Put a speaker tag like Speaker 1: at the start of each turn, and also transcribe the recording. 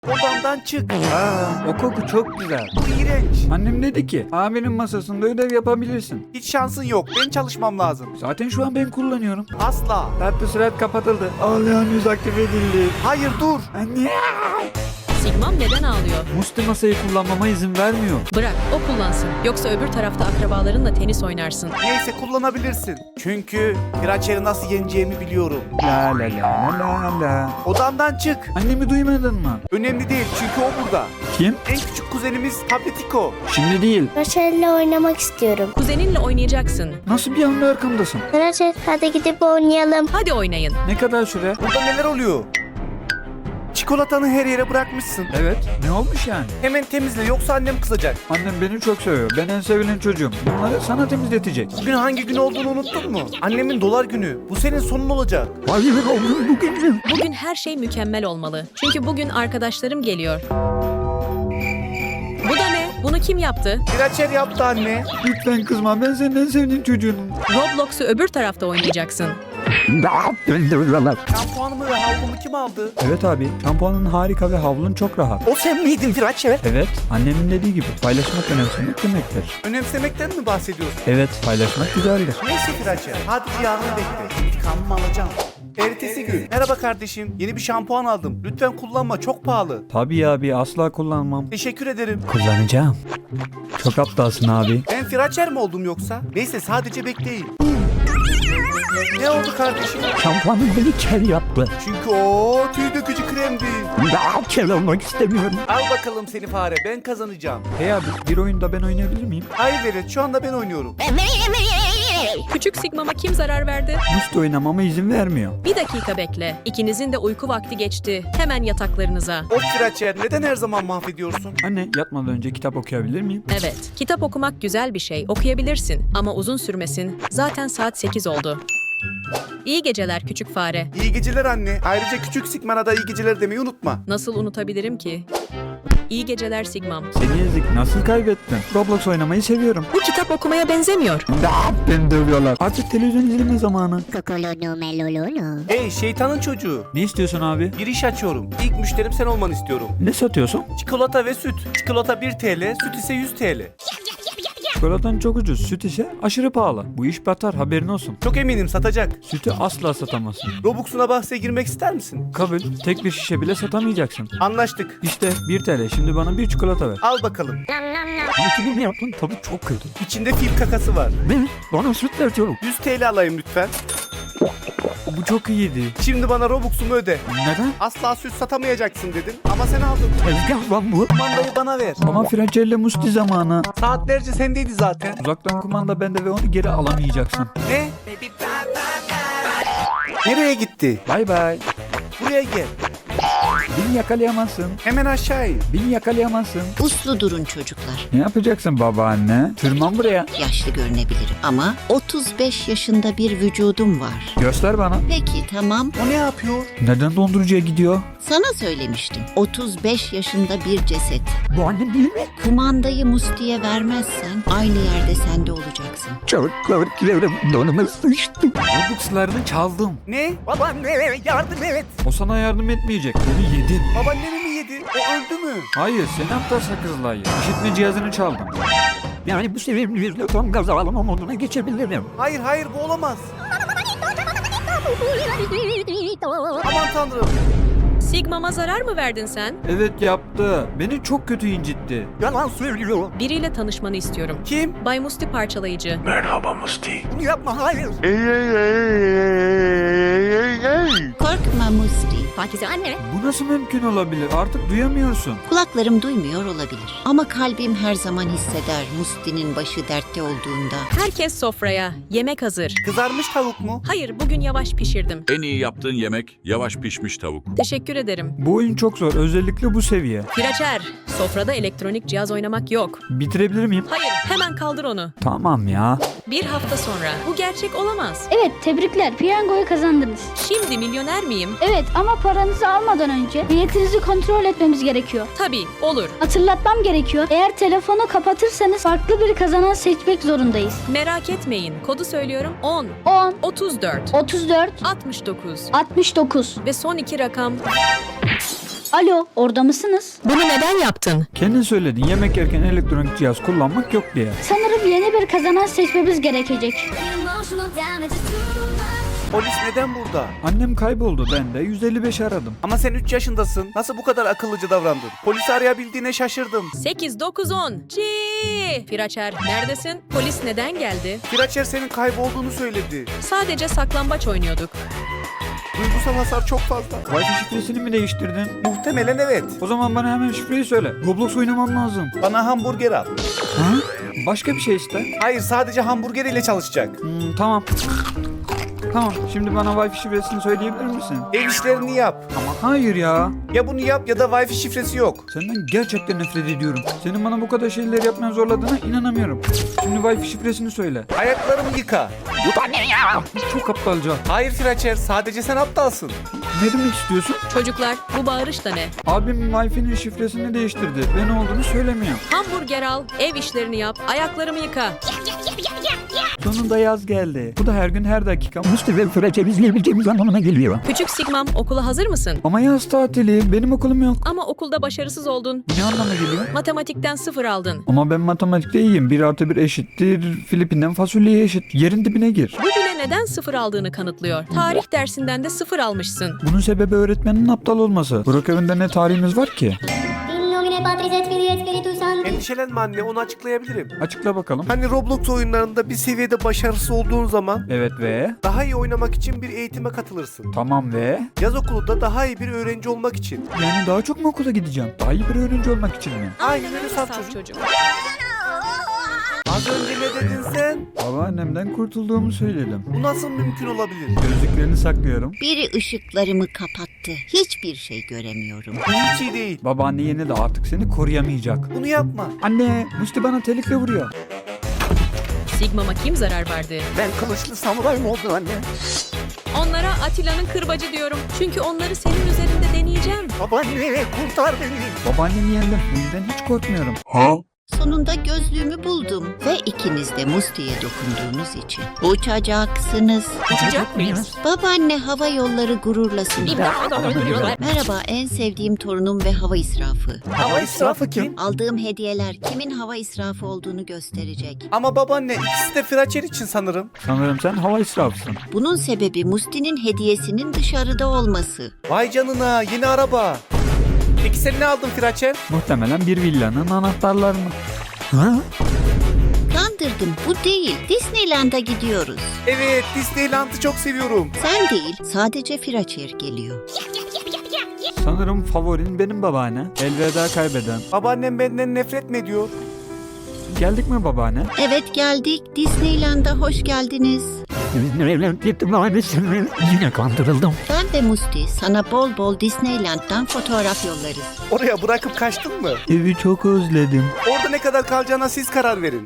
Speaker 1: Odamdan çık.
Speaker 2: O koku çok güzel.
Speaker 1: Bu iğrenç.
Speaker 2: Annem dedi ki abinin masasında ödev yapabilirsin.
Speaker 1: Hiç şansın yok. Ben çalışmam lazım.
Speaker 2: Zaten şu an ben kullanıyorum.
Speaker 1: Asla.
Speaker 2: Tatlı sürat kapatıldı. Ağlayan yüz aktif edildi.
Speaker 1: Hayır dur.
Speaker 2: Anne.
Speaker 3: Sigmam neden ağlıyor?
Speaker 2: Musti masayı kullanmama izin vermiyor.
Speaker 3: Bırak, o kullansın. Yoksa öbür tarafta akrabalarınla tenis oynarsın.
Speaker 1: Neyse kullanabilirsin. Çünkü Piraçer'i nasıl yeneceğimi biliyorum.
Speaker 2: La la la la la.
Speaker 1: Odamdan çık.
Speaker 2: Annemi duymadın mı?
Speaker 1: Önemli değil çünkü o burada.
Speaker 2: Kim?
Speaker 1: En küçük kuzenimiz Tabletiko.
Speaker 2: Şimdi değil.
Speaker 4: Rachel'le oynamak istiyorum.
Speaker 3: Kuzeninle oynayacaksın.
Speaker 2: Nasıl bir anda arkamdasın?
Speaker 4: Rachel hadi gidip oynayalım.
Speaker 3: Hadi oynayın.
Speaker 2: Ne kadar süre?
Speaker 1: Burada neler oluyor? Çikolatanı her yere bırakmışsın.
Speaker 2: Evet. Ne olmuş yani?
Speaker 1: Hemen temizle yoksa annem kızacak.
Speaker 2: Annem beni çok seviyor. Ben en sevilen çocuğum. Bunları sana temizletecek.
Speaker 1: Bugün hangi gün olduğunu unuttun mu? Annemin dolar günü. Bu senin sonun olacak.
Speaker 2: Hayır oğlum bugün.
Speaker 3: Bugün her şey mükemmel olmalı. Çünkü bugün arkadaşlarım geliyor. Bu da ne? Bunu kim yaptı?
Speaker 1: Piraçer yaptı anne.
Speaker 2: Lütfen kızma, ben senin en sevdiğin çocuğunum.
Speaker 3: Roblox'u öbür tarafta oynayacaksın.
Speaker 1: Şampuanımı ve havlumu kim aldı?
Speaker 2: Evet abi, şampuanın harika ve havlun çok rahat.
Speaker 1: O sen miydin Piraçer?
Speaker 2: Evet, annemin dediği gibi paylaşmak önemsemek demektir.
Speaker 1: Önemsemekten mi bahsediyorsun?
Speaker 2: Evet, paylaşmak güzeldir.
Speaker 1: Neyse Piraçer. Hadi yarını bekle. İntikamımı alacağım. Ertesi gün. Merhaba kardeşim. Yeni bir şampuan aldım. Lütfen kullanma. Çok pahalı.
Speaker 2: Tabii abi, asla kullanmam.
Speaker 1: Teşekkür ederim.
Speaker 2: Kullanacağım. Çok aptalsın abi.
Speaker 1: Ben Piraçer mi oldum yoksa? Neyse sadece bekleyin. Ne oldu kardeşim?
Speaker 2: Şampuanın beni kel yaptı.
Speaker 1: Çünkü o tüy dökücü kremdi.
Speaker 2: Daha kel olmak istemiyorum.
Speaker 1: Al bakalım seni fare. Ben kazanacağım.
Speaker 2: Hey abi, bir oyunda ben oynayabilir miyim?
Speaker 1: Hayır Velet. Şu anda ben oynuyorum.
Speaker 3: Küçük Sigmam'a kim zarar verdi?
Speaker 2: Musti oynamama izin vermiyor.
Speaker 3: Bir dakika bekle. İkinizin de uyku vakti geçti. Hemen yataklarınıza.
Speaker 1: Of Piraçer. Neden her zaman mahvediyorsun?
Speaker 2: Anne, yatmadan önce kitap okuyabilir miyim?
Speaker 3: Evet, kitap okumak güzel bir şey. Okuyabilirsin ama uzun sürmesin. Zaten saat 8 oldu. İyi geceler küçük fare.
Speaker 1: İyi geceler anne. Ayrıca küçük Sigmana da iyi geceler demeyi unutma.
Speaker 3: Nasıl unutabilirim ki? İyi geceler Sigmam.
Speaker 2: Seni ezik, nasıl kaybettin? Roblox oynamayı seviyorum.
Speaker 3: Bu kitap okumaya benzemiyor.
Speaker 2: Beni dövüyorlar. Artık televizyon izleme zamanı.
Speaker 1: Hey şeytanın çocuğu.
Speaker 2: Ne istiyorsun abi?
Speaker 1: Bir iş açıyorum. İlk müşterim sen olmanı istiyorum.
Speaker 2: Ne satıyorsun?
Speaker 1: Çikolata ve süt. Çikolata 1 TL, süt ise 100 TL.
Speaker 2: Çikolatan çok ucuz, süt ise aşırı pahalı. Bu iş batar, haberin olsun.
Speaker 1: Çok eminim satacak.
Speaker 2: Sütü asla satamazsın.
Speaker 1: Robux'una bahse girmek ister misin?
Speaker 2: Kabul, tek bir şişe bile satamayacaksın.
Speaker 1: Anlaştık.
Speaker 2: İşte 1 TL, şimdi bana bir çikolata ver.
Speaker 1: Al bakalım.
Speaker 2: Sütünü ne yaptın? Tabii çok kötü.
Speaker 1: İçinde fil kakası var.
Speaker 2: Ben bana süt vertiyorum.
Speaker 1: 100 TL alayım lütfen.
Speaker 2: Bu çok iyiydi.
Speaker 1: Şimdi bana Robux'umu öde.
Speaker 2: Neden?
Speaker 1: Asla süt satamayacaksın dedin ama sen aldın.
Speaker 2: Tezgah lan bu.
Speaker 1: Kumandayı bana ver.
Speaker 2: Ama Fracelle Musti zamanı.
Speaker 1: Saatlerce sendeydi zaten.
Speaker 2: Uzaktan kumanda bende ve onu geri alamayacaksın.
Speaker 1: Ne? Nereye gitti?
Speaker 2: Bay bay.
Speaker 1: Buraya gel.
Speaker 2: Beni yakalayamazsın.
Speaker 1: Hemen aşağı in.
Speaker 2: Beni yakalayamazsın.
Speaker 5: Uslu durun çocuklar.
Speaker 2: Ne yapacaksın babaanne? Tırman buraya.
Speaker 5: Yaşlı görünebilirim ama 35 yaşında bir vücudum var.
Speaker 2: Göster bana.
Speaker 5: Peki tamam.
Speaker 1: O ne yapıyor?
Speaker 2: Neden dondurucuya gidiyor?
Speaker 5: Sana söylemiştim. 35 yaşında bir ceset.
Speaker 2: Bu annem değil mi?
Speaker 5: Kumandayı Musti'ye vermezsen aynı yerde sen de olacaksın.
Speaker 2: Çocuklarım donuma sıçtı. Robux'larını çaldım.
Speaker 1: Ne? Babaanne yardım et.
Speaker 2: O sana yardım etmeyecek. Onu yedin.
Speaker 1: Babaannemi mi yedi? O öldü mü?
Speaker 2: Hayır, sen aptal sakızlayı. İşitme cihazını çaldım. Yani bu sevimli tam gaz alma moduna geçebilirim.
Speaker 1: Hayır bu olamaz. Aman tanrım.
Speaker 3: Sigmam'a zarar mı verdin sen?
Speaker 2: Evet yaptı. Beni çok kötü incitti.
Speaker 1: Yalan söylüyor.
Speaker 3: Biriyle tanışmanı istiyorum.
Speaker 1: Kim?
Speaker 3: Bay Musti parçalayıcı.
Speaker 1: Bunu yapma hayır.
Speaker 5: Korkma Musti.
Speaker 3: Pakize anne.
Speaker 2: Bu nasıl mümkün olabilir? Artık duyamıyorsun.
Speaker 5: Kulaklarım duymuyor olabilir. Ama kalbim her zaman hisseder Musti'nin başı dertte olduğunda.
Speaker 3: Herkes sofraya. Yemek hazır.
Speaker 1: Kızarmış tavuk mu?
Speaker 3: Hayır, bugün yavaş pişirdim.
Speaker 6: En iyi yaptığın yemek yavaş pişmiş tavuk.
Speaker 3: Teşekkür ederim.
Speaker 2: Bu oyun çok zor. Özellikle bu seviye.
Speaker 3: Piraçer, sofrada elektronik cihaz oynamak yok.
Speaker 2: Bitirebilir miyim?
Speaker 3: Hayır, hemen kaldır onu.
Speaker 2: Tamam ya.
Speaker 3: Bir hafta sonra. Bu gerçek olamaz.
Speaker 4: Evet tebrikler piyangoyu kazandınız.
Speaker 3: Şimdi milyoner miyim?
Speaker 4: Evet ama paranızı almadan önce niyetinizi kontrol etmemiz gerekiyor.
Speaker 3: Tabii, olur.
Speaker 4: Hatırlatmam gerekiyor. Eğer telefonu kapatırsanız farklı bir kazanan seçmek zorundayız.
Speaker 3: Merak etmeyin. Kodu söylüyorum. 10,
Speaker 4: 10,
Speaker 3: 34,
Speaker 4: 34,
Speaker 3: 69
Speaker 4: 69.
Speaker 3: ve son iki rakam
Speaker 4: Alo, orada mısınız?
Speaker 3: Bunu neden yaptın?
Speaker 2: Kendin söyledin yemek yerken elektronik cihaz kullanmak yok diye.
Speaker 4: Sanırım yeni bir kazanan seçmemiz gerekecek.
Speaker 1: Polis neden burada?
Speaker 2: Annem kayboldu, ben de 155 aradım.
Speaker 1: Ama sen 3 yaşındasın. Nasıl bu kadar akıllıca davrandın? Polisi arayabildiğine şaşırdım.
Speaker 3: 8, 9, 10. Firaçer, neredesin? Polis neden geldi?
Speaker 1: Firaçer senin kaybolduğunu söyledi.
Speaker 3: Sadece saklambaç oynuyorduk.
Speaker 1: Duygusal hasar çok fazla.
Speaker 2: Wi-Fi şifresini mi değiştirdin?
Speaker 1: Muhtemelen evet.
Speaker 2: O zaman bana hemen şifreyi söyle. Roblox oynamam lazım.
Speaker 1: Bana hamburger al.
Speaker 2: Ha? Başka bir şey iste.
Speaker 1: Hayır, sadece hamburger ile çalışacak.
Speaker 2: Tamam. Tamam, şimdi bana Wi-Fi şifresini söyleyebilir misin?
Speaker 1: Ev işlerini yap.
Speaker 2: Ama hayır ya.
Speaker 1: Ya bunu yap ya da Wi-Fi şifresi yok.
Speaker 2: Senden gerçekten nefret ediyorum. Senin bana bu kadar şeyleri yapmaya zorladığına inanamıyorum. Şimdi Wi-Fi şifresini söyle.
Speaker 1: Ayaklarımı yıka.
Speaker 2: Çok aptalca.
Speaker 1: Hayır Firaçer, sadece sen aptalsın.
Speaker 2: Ne demek istiyorsun?
Speaker 3: Çocuklar, bu bağırış da ne?
Speaker 2: Abim Wi-Fi'nin şifresini değiştirdi ve ne olduğunu söylemiyor.
Speaker 3: Hamburger al, ev işlerini yap, ayaklarımı yıka.
Speaker 2: Sonunda yaz geldi. Bu da her gün her dakika Musti ve Fıraç'ı izleyebileceğimiz anlamına geliyor.
Speaker 3: Küçük Sigmam, okula hazır mısın?
Speaker 2: Ama yaz tatili. Benim okulum yok.
Speaker 3: Ama okulda başarısız oldun.
Speaker 2: Ne anlama geliyor?
Speaker 3: Matematikten 0 aldın.
Speaker 2: Ama ben matematikte iyiyim. 1 + 1 eşittir. Filipinden fasulyeye eşit. Yerin dibine gir.
Speaker 3: Bu bile neden 0 aldığını kanıtlıyor. Tarih dersinden de 0 almışsın.
Speaker 2: Bunun sebebi öğretmenin aptal olması. Burak evinde ne tarihimiz var ki?
Speaker 7: In nomine Patris et Filii et Spiritus Sancti.
Speaker 1: Endişelenme anne, onu açıklayabilirim.
Speaker 2: Açıkla bakalım.
Speaker 1: Hani Roblox oyunlarında bir seviyede başarısız olduğun zaman
Speaker 2: Evet ve?
Speaker 1: daha iyi oynamak için bir eğitime katılırsın.
Speaker 2: Tamam ve?
Speaker 1: Yaz okulu da daha iyi bir öğrenci olmak için.
Speaker 2: Yani daha çok mu okula gideceğim? Daha iyi bir öğrenci olmak için mi?
Speaker 1: Aynen öyle saf çocuk. Az önce ne dedin sen?
Speaker 2: Babaannemden kurtulduğumu söyledim.
Speaker 1: Bu nasıl mümkün olabilir?
Speaker 2: Gözlüklerini saklıyorum.
Speaker 5: Biri ışıklarımı kapattı. Hiçbir şey göremiyorum.
Speaker 1: Bu hiç iyi değil.
Speaker 2: Babaanne yeni de artık seni koruyamayacak.
Speaker 1: Bunu yapma.
Speaker 2: Anne, Musti bana telikle vuruyor.
Speaker 3: Sigmam'a kim zarar verdi?
Speaker 1: Ben kılıçlı samuray mı oldum anne?
Speaker 3: Onlara Atilla'nın kırbacı diyorum. Çünkü onları senin üzerinde deneyeceğim.
Speaker 1: Babaanne kurtar beni.
Speaker 2: Babaannemi yendim. Bu yüzden hiç korkmuyorum.
Speaker 5: Sonunda gözlüğümü buldum ve ikiniz de Musti'ye dokunduğunuz için uçacaksınız.
Speaker 3: Uçacak mıyız?
Speaker 5: Babaanne hava yolları gururlasın. Merhaba, en sevdiğim torunum ve hava israfı.
Speaker 1: Hava israfı kim?
Speaker 5: Aldığım hediyeler kimin hava israfı olduğunu gösterecek.
Speaker 1: Ama babaanne, ikisi de Firaçer için sanırım.
Speaker 2: Sanırım sen hava israfısın.
Speaker 5: Bunun sebebi Musti'nin hediyesinin dışarıda olması.
Speaker 1: Vay canına, yeni araba. Peki sen ne aldın Firaçer?
Speaker 2: Muhtemelen bir villanın anahtarlarını. Ha?
Speaker 5: Kandırdım, bu değil. Disneyland'a gidiyoruz.
Speaker 1: Evet, Disneyland'ı çok seviyorum.
Speaker 5: Sen değil, sadece Firaçer geliyor.
Speaker 2: Sanırım favorin benim babaanne. Elveda kaybeden.
Speaker 1: Babaannem benden nefret mi ediyor?
Speaker 2: Geldik mi babaanne?
Speaker 5: Evet geldik, Disneyland'a hoş geldiniz.
Speaker 2: Yine kandırıldım.
Speaker 5: Ben ve Musti sana bol bol Disneyland'dan fotoğraf yollarız.
Speaker 1: Oraya bırakıp kaçtın mı?
Speaker 2: Evi çok özledim.
Speaker 1: Orada ne kadar kalacağına siz karar verin.